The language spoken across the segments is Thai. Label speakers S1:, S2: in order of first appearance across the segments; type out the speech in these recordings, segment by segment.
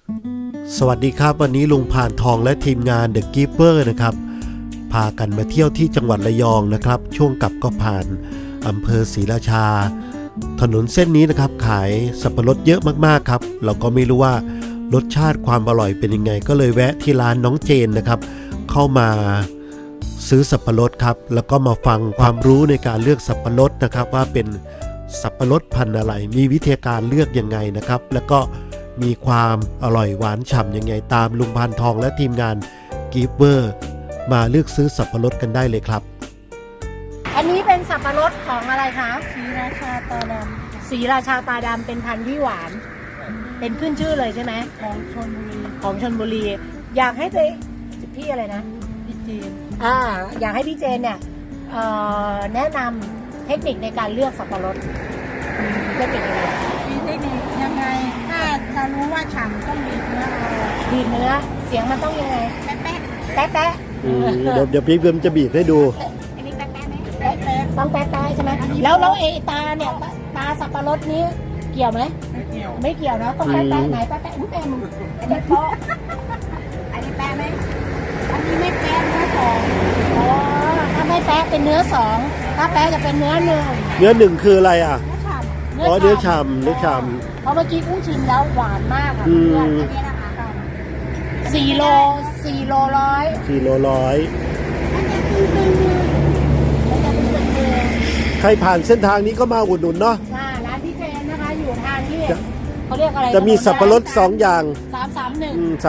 S1: สวัสดีครับวันนี้ลุงผ่านทองและทีมงาน The Keeper นะครับพากันมาเที่ยวที่จังหวัดระยองนะครับช่วงกลับก็ผ่านอำเภอศรีราชาถนนเส้นนี้นะครับขายสับปะรดเยอะมากๆครับเราก็ไม่รู้ว่ารสชาติความอร่อยเป็นยังไงก็เลยแวะที่ร้านน้องเจนนะครับเข้ามาซื้อสับปะรดครับแล้วก็มาฟังความรู้ในการเลือกสับปะรดนะครับว่าเป็นสับปะรดพันธุ์อะไรมีวิธีการเลือกยังไงนะครับแล้วก็มีความอร่อยหวานฉ่ำยังไงตามลุงพานทองและทีมงานกีฟเวอร์มาเลือกซื้อสับปะรดกันได้เลยครับ
S2: อันนี้เป็นสับปะรดของอะไรคะ
S3: ศรีราชาตาด
S2: ศรีราชาตาดำเป็นพันธุ์ที่หวาน เป็นขึ้นชื่อเลยใช่ไหม
S3: ำของชลบุรี
S2: ของชลบุรี อยากให้ตัวพี่อะไรนะ
S3: พี่จีน
S2: อยากให้พี่เจนเนี่ยแนะนำเทคนิคในการเลือกสับปะรดเทคนิคยังไง
S3: มีเทคนิคยังไง ถ้าจะรู้ว่าฉ่ำต้องบีบเนื้อเอา
S2: ดีดเนื้อเสียงมันต้องยังไง
S3: แป๊ะแป๊ะ
S2: แป๊ะแป๊ะ
S1: เดี๋ยวพี่เพิ่มจะบีบให้ดู
S3: อันนี้แป๊ะแป๊ะไหมแป๊ะแป๊ะ
S2: ต้องแป๊ะแป๊ะใช่ไหมแล้วไอ้ตาเนี่ยตาสับปะรดนี้เกี่ยวไหม
S3: ไม่เกี่ยว
S2: ไม่เกี่ยวนะต้องแป๊ะแป๊ะไหนแป๊ะแป๊ะแป๊ะมึงอันนี้โป๊ะ
S3: อันนี้แป๊ะไหมอันนี้ไม่แป๊ะเนื้อสอง
S2: อ๋อถ้าไม่แป๊ะเป็นเนื้อสองถ้าแป๊ะจะเป็นเนื้อหนึ่ง
S1: เนื้อหนึ่งคืออะไรอ่ะ
S3: เนื้อฉ่ำ
S1: อ๋อเนื้อฉ่ำเนื้อฉ่
S2: เพราะเมื่อกี้กุ้งชิมแล้วหวานมากค่ะ
S1: อืม
S2: เพื่อน
S3: อันนี้นะคะ
S2: 4 โลร้อย
S1: ำ4 โลร้อย
S3: มันจะตึงๆ
S2: มันจะเป็นตึงมือ
S1: ใครผ่านเส้นทางนี้ก็มาอุดหนุนเนาะ
S2: ร้านพี่เจนนะคะอยู่ทางที่เขาเรียกอะไร
S1: จะมีสับปะรด2อย่าง
S2: 331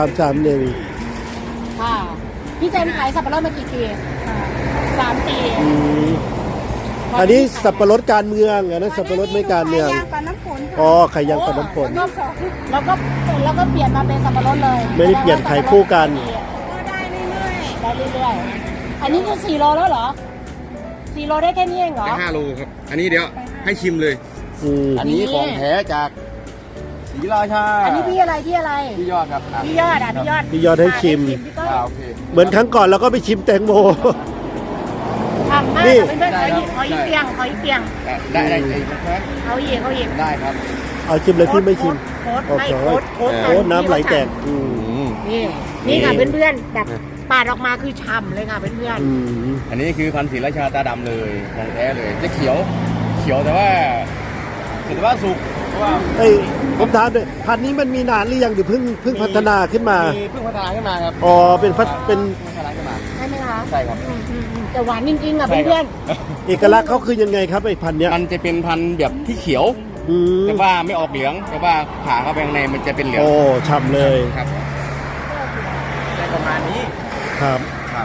S1: 331
S2: ค่ะพี่เจนขายสับปะรดมากี่ปี3 ปี
S1: อันนี้สับปะรดการเมืองอันนั้นสับปะรดไม่การเมือง
S3: ไข่ยางกับน้ำฝน
S1: อ๋อไข่ยางกับน้ำฝน
S2: แล้วก็เปลี่ยนมาเป็นสับปะรดเลย
S1: ไม่ได้เปลี่ยนขายคู่กัน
S3: ก็ได้เรื่อย
S2: ได้เรื่อยๆอันนี้คือ4 โลแล้วเหรอ4 โลได้แค่นี้เองเหรอ
S4: ได้5 โลครับ อันนี้เดี๋ยวให้ชิมเลย อันนี้ของแท้จากศรีราชา
S2: อันนี้พี่อะไรพี่อะไร
S4: พี่ยอดครับอ่ะ
S2: พี่ยอดพี่ยอด
S1: พี่ยอดให้ชิม
S2: พี่ต้น
S4: โอเค
S1: เหมือนครั้งก่อนเราก็ไปชิมแตงโม
S2: ทำมาก
S1: นี่
S2: เพื่อนๆขออีกเตียงขออีกเตียง
S4: ได้นะครับ
S2: เขาอีกเขาอีก
S4: ได้ครับ
S1: เอาชิมเลยพี่ไม่ชิม
S2: โค้ด
S1: โอ
S2: ไม่
S1: เค
S2: โค้ด
S1: โอ้น้ำไหลแตก
S2: นี่ค่ะเพื่อนๆแบบปาดออกมาคือฉ่ำเลยค่ะเพื่อน
S4: อันนี้คือพันธุ์ศรีราชาตาดำเลยของแท้เลย จะเขียวแต่ว่าสุกเพราะว่า
S1: เอ้ยผมถามเลยพันธุ์นี้มันมีนานหรือยังหรือเพิ่งพัฒนาขึ้นมา
S4: เพิ่งพัฒนาขึ้นมาครับ
S1: อ๋อเป็นพัฒเป็น
S4: พัฒนาขึ้นมา
S2: ๆใช่ไหมคะ
S4: ใช่ครับ
S2: แต่หวานจริงๆอ่ะ
S4: ใช่ครับ
S2: เพื่อน
S1: เอกลักษณ์เขาคือยังไงครับไอ้พันธุ์เนี้ย
S4: มันจะเป็นพันธุ์แบบที่เขียว
S1: อืม
S4: แต่ว่าไม่ออกเหลือง แต่ว่าผ่าเข้าไปข้างในมันจะเป็นเหลือง
S1: โอ้ฉ่ำเลย
S4: ครับได้ประมาณนี้
S1: ครับ
S4: ครับ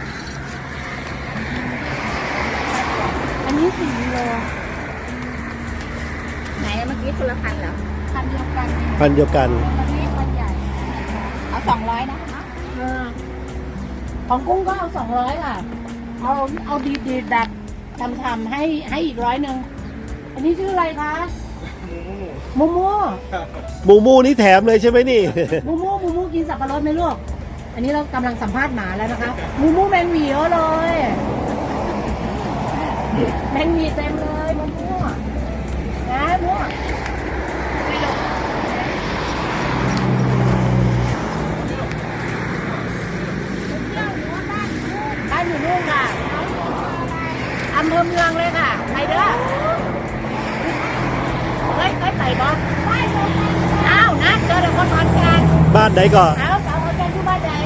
S2: ๆอันนี้4 โล
S3: ไหนเมื่อกี้คนละพันเหรอพันเดียวกัน
S1: พันธุ์เดียวกัน
S3: อันนี้พันใหญ่ เอา200นะคะ
S2: ของกุ้งก็เอา200ค่ะเอาดีๆแบบทำให้อีก100อันนี้ชื่ออะไรคะมูมู
S1: หมูมูนี่แถมเลยใช่ไหมนี่
S2: มูมูกินสับปะรดไหมลูก อันนี้เรากำลังสัมภาษณ์หมาแล้วนะคะมูมูแมงหวีเยอะเลยแมงหวีเต็มเลยมูมูนะมูบ้านอยู่นู่นค่ะอำเภอเมืองเลยค่ะไปเด้อเฮ้ยไปบ่อ้าวนะเจอแต่คนขอนแก่น
S1: บ้านไหนก่อน
S2: เอาสาวขอนแก่นที่บ้านไหน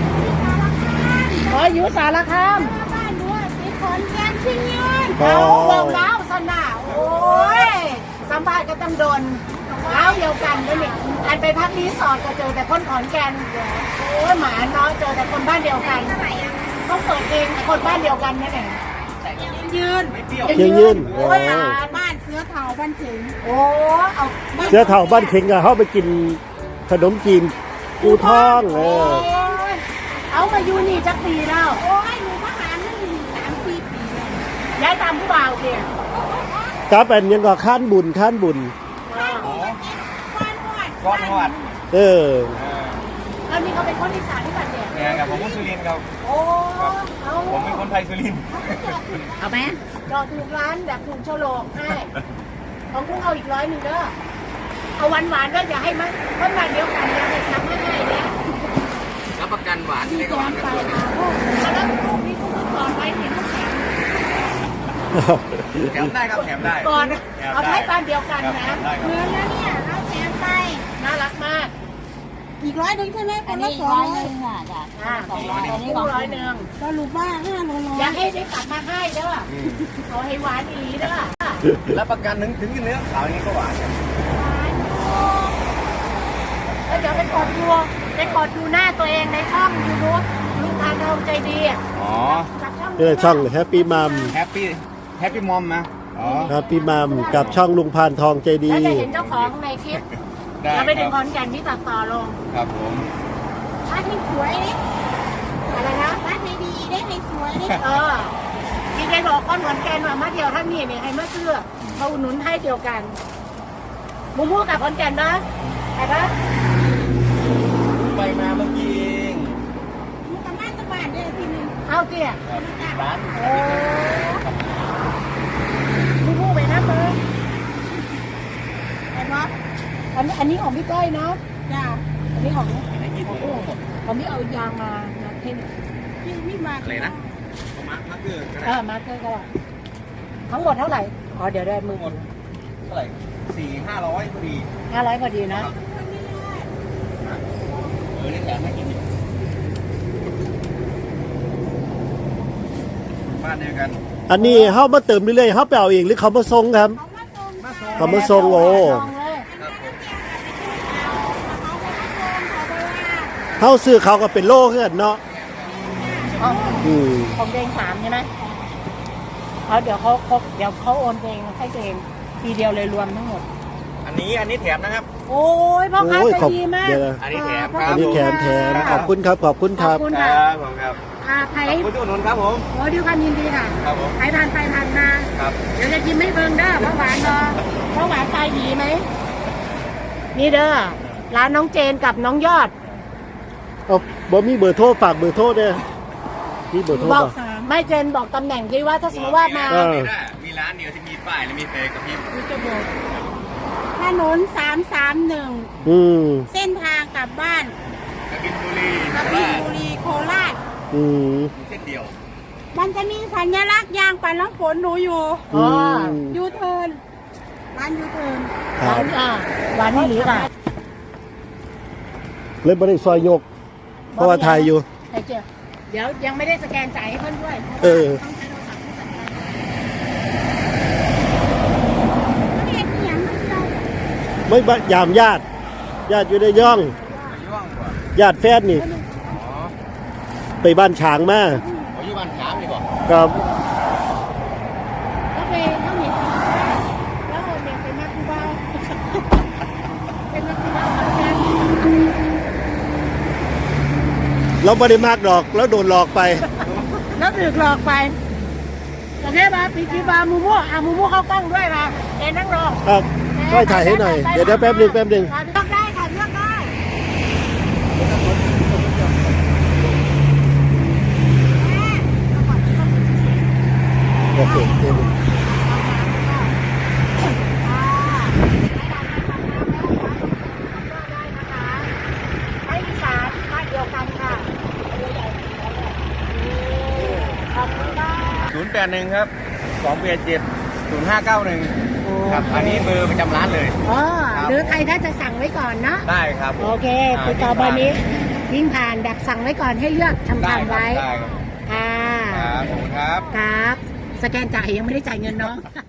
S2: อยู่สารคาม
S3: บ้านด้วยมีขอนแก่นชิงยืน
S2: เอาเบิ่งแล้วสนาโอ้ยสัมภาษณ์ก็ต้องโดนเล้าเดียวกันด้วยนี่อันไปพักรีสอร์ทก็เจอแต่คนขอนแก่นโอ้ยหมาเนาะเจอแต่คนบ้านเดียวกันต้องเปิดเองคนบ้านเดียวกันนั่นเอง
S3: ยืน
S1: ยังยืน
S2: โอ้ยหมา
S3: บ้านเสือเถาบ้านถึง
S2: โอ้เอา
S1: เสื้อเถ่าบ้านเข็งอะเขาไปกินขนมจีนกูท่อง
S2: โ
S1: เอ
S2: อ้
S1: อย
S2: เอามาอยู่นี่จักปีแล้ว
S3: โอ้ยหนูมาหานั่นอยู่3 ปีแล้ว
S2: ย้ายตามผู้บ่าวเพียง
S1: กับเป็นยังก็ข้านบุญ
S3: บ้านหอด
S4: ก้อนหอด
S1: เออ
S2: แล้วนี่เขาเป็นคนอีสานที่บ้านเดียว
S4: เนี่ยครับผมคนสุรินทร์ครับ
S2: โอ้เอา
S4: ผมเป็นคนไทยสุรินทร์
S3: เอาไหม
S2: จอดถูกร้านแบบถูกโฉลกให้ของกุ้งเอาอีก100เด้อเอาหวานๆก็อย่าให้มันเดียวกันอย่าให้ทำให้
S3: แถมไปค่ะโอ้
S2: แล้วลูกนี้คุณสอนไว้ที่ลูกแถม
S4: แถมได้ครับแถมได้
S2: ก่อน
S4: แถม
S2: เอา
S4: ได้
S2: ให้บ้านเดียวกัน
S4: ครับ
S2: นะ
S4: แถมได้ค
S3: เห
S4: รับ
S3: มือนแล้วเนี่ยเอาแถมไป
S2: น่ารักมาก
S3: อีก100ใช่ไหมค
S5: อั
S3: น
S5: น
S3: ละ
S5: นี้
S3: 200
S5: 100ค่ะจ้ะ
S2: อ่า
S5: 200อันนี้
S2: คู่
S5: ของ
S2: ร้อยหนึ่ง
S3: สรุปว่า5โลร้อ
S2: อยากให้ได้กลับมาให้เด้อเอาให้หวานอีหลีเด้อ
S4: แล้วประกันถึงเนื้อขาวอย่างนี้ก็หวานครับ
S2: แล้วเดี๋ยวไปกดดูหน้าตัวเองในช่องยูทูบลุงพานทองใจดีอ่ะ
S4: อ๋อ
S2: กับช่อง
S1: นี่แหละช่องแฮปปี้มัม
S4: แฮปปี้มอมนะอ๋อ
S1: แฮปปี้มัมกับช่องลุงพานทองใจดี
S2: แล้วจะเห็นเจ้าของในคลิป
S4: ได้
S2: เราไปถึง
S4: ค
S2: ข
S4: รับ
S2: อนแก่นที่ตัดต่อลง
S4: ครับผม
S3: บ้านให้สวยดิ
S2: อะไรนะ
S3: บ้านให้ดีได้ให้สวยดิ
S2: เออพี่ได้บอกคนขอนแก่นว่ามาเดียวท่านนี่เนี่ยให้มาเสื้อเขาอุดหนุนให้เดียวกันมูมูกับขอนแก่นนะไปปะ
S4: ไปมาเมื่อกี้เอง
S3: มึงกับบ้านตะบ้านได้ทีนึง
S2: เอาเตี้ย
S4: ครับร้าน
S2: โอ้มูมูไปนะเบอร์
S3: แต่ว่า
S2: อันนี้ของพี่ก้อยเนาะ
S3: จ้า
S2: อันนี้ของของพี่เอายางมาเท่น
S3: พี่มา
S4: อะไรนะมาเกอร์ก็
S2: เอ
S4: ได้
S2: อมาเท่ก็ได้ทั้งหมดเท่าไหร่อ๋อเดี๋ยวได้มือ
S4: หมดเท่าไหร่400-500พอดี
S2: 500พอดีนะ
S4: นี่แถมให้กินบ้านเดียวกัน
S1: อันนี้เฮามาเติมเรื่อยๆเฮาไปเอาเองหรือเขามาส่งครับ
S3: เขามาส่ง
S1: เขามาส่งโอ้
S4: ครับผม
S1: เฮาซื้อเขาก็เป็นโลคือกันเนาะ
S2: อ๋อ
S1: อืม
S2: ของเอง3ใช่ไหมเดี๋ยวเขาโอนเองให้ตัวเองทีเดียวเลยรวมทั้งหมด
S4: อันนี้แถมนะครับ
S2: โอ้ยพ่อค้า
S1: โอ้ย
S2: ใจ
S1: ขอบ
S2: ดีมาก
S1: เดี๋ยวนะ
S4: อันนี้แถม
S1: อันนี้แถมขอบคุณครับขอบคุณค
S2: ขอ
S1: รั
S2: บบ คุณ
S4: ค
S2: ค่ะ
S4: รับผมครับ
S2: ไผ่
S4: ขอบคุณทุกคนครับผม
S2: โอ้ด้วยความยินดีค่ะ
S4: ครับผม
S2: ใครผ่านไปผ่านมา
S4: ครับ
S2: เดี๋ยวจะกินไม่เบิ่งเด้อเพราะหวานเนาะเพราะหวานตายดีไหมนี่เด้อร้านน้องเจนกับน้องยอด
S1: เอาบ่มีเบอร์โทรฝากเบอร์โทรเด้อมีเบอร์โทร
S2: บอก
S1: ป่ะ
S2: ไม่เจนบอกตำแหน่งที่ว่าถ้าสมมติว่ามา
S1: เออ
S4: มีร้านเดียวที่มีป้ายและมีเฟซกับพี่
S3: ถนน331
S1: อืม
S3: เส้นทางกลับบ้าน
S4: กบินบุรี
S3: กบินบุรีโคราช
S1: อืม
S4: เส้นเดียว
S3: มันจะมีสัญลักษณ์ยางปัดน้ำฝนหนูอยู่
S1: อืม
S3: ยูเทิร์นร้านยูเทิร์น
S1: ค
S2: ห
S1: รั
S2: วา
S1: บ
S2: นหวานนี่หรือเปล่า
S1: เลยบ่ได้ซอยยก เพราะว่าถ่ายอยู่
S2: ไอ้เจ้าเดี๋ยวยังไม่ได้สแกนจ่ายให้เพื่อนด้วย
S1: เออ
S2: ต้องใช้โทรศัพท์ที่สำคัญ
S3: เรียกเขียนมันเรา
S1: ไม่บะยามญาติอยู่ในย่อง
S4: ย่องกว่า
S1: ญาติแฟนนี่
S4: อ๋อ
S1: ไปบ้านฉางมา
S4: ผมอยู่บ้านขามดีกว่า
S1: ครับ
S2: แล้วไปต้องเห็นแล้วเด็กเป็นนักกูบ้าเป็นนักกูบ้าเหมือนกัน
S1: เราไม่ได้มากดอกแล้วโดนหลอกไป
S2: แล้วถูกหลอกไปโอเคป่ะปีกีบามูมูมูมูเข้ากล้องด้วยป่ะเอ็นนั่งรอ
S1: ครับช่วยถ่ายให้หน่อย เดี๋ยวแป๊บหนึง
S2: เลือกได้ค่ะเลือกได้
S1: โอเคเดี๋ยว
S2: ไม่มีสารบ้านเดียวกันค่ะขอบคุณค่ะ
S4: 081ครับ287-0591ครับอันนี้เบอร์ประจำร้านเลย
S2: อ๋อหรือใครถ้าจะสั่งไว้ก่อนนะ
S4: ได้ครับ
S2: โอเคติดต่อเบอร์นี้ยิ่งผ่านแบบสั่งไว้ก่อนให้เลือกทำ
S4: ได้
S2: ทำ
S4: ครับ
S2: ไว้
S4: ได้ครับ
S2: ค่ะ
S4: ครับผมครับ
S2: ครับ สแกนจ่ายยังไม่ได้จ่ายเงินเนาะ